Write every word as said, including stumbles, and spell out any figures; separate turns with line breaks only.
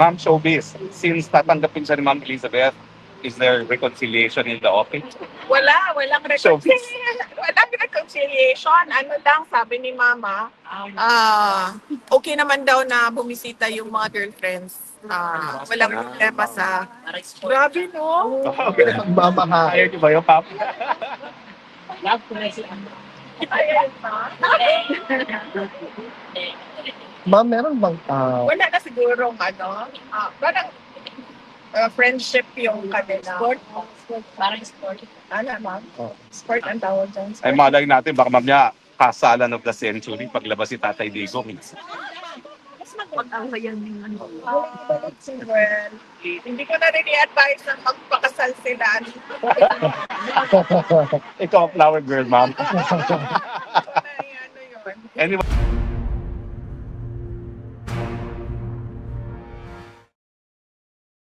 Ma'am Showbiz, since tatanggapin siya ni Ma'am Elizabeth, is there reconciliation in the office?
Wala, walang
Showbiz.
reconciliation. Walang reconciliation. Ano lang, sabi ni Mama, ah okay naman daw na bumisita yung mga girlfriends. Ah, walang problema sa... Grabe, no?
Okay.
Magmamahal.
Ayaw niyo ba yung Pap?
Ayan, ma.
Ma'am, meron bang ah,
Wala na siguro ano, ah, parang ah, friendship yung kanila. Sport? Parang sport. Ano, ma'am?
Oh.
Sport ang tawag dyan.
Ay malay natin, baka ma'am niya, kasalan of the century paglabas si Tatay Digo.
Mas magpag-awayan din ano. Balik si Gwen. Hindi ko na rin i-advise na magpakasal sila.
Ikaw, flower girl, ma'am.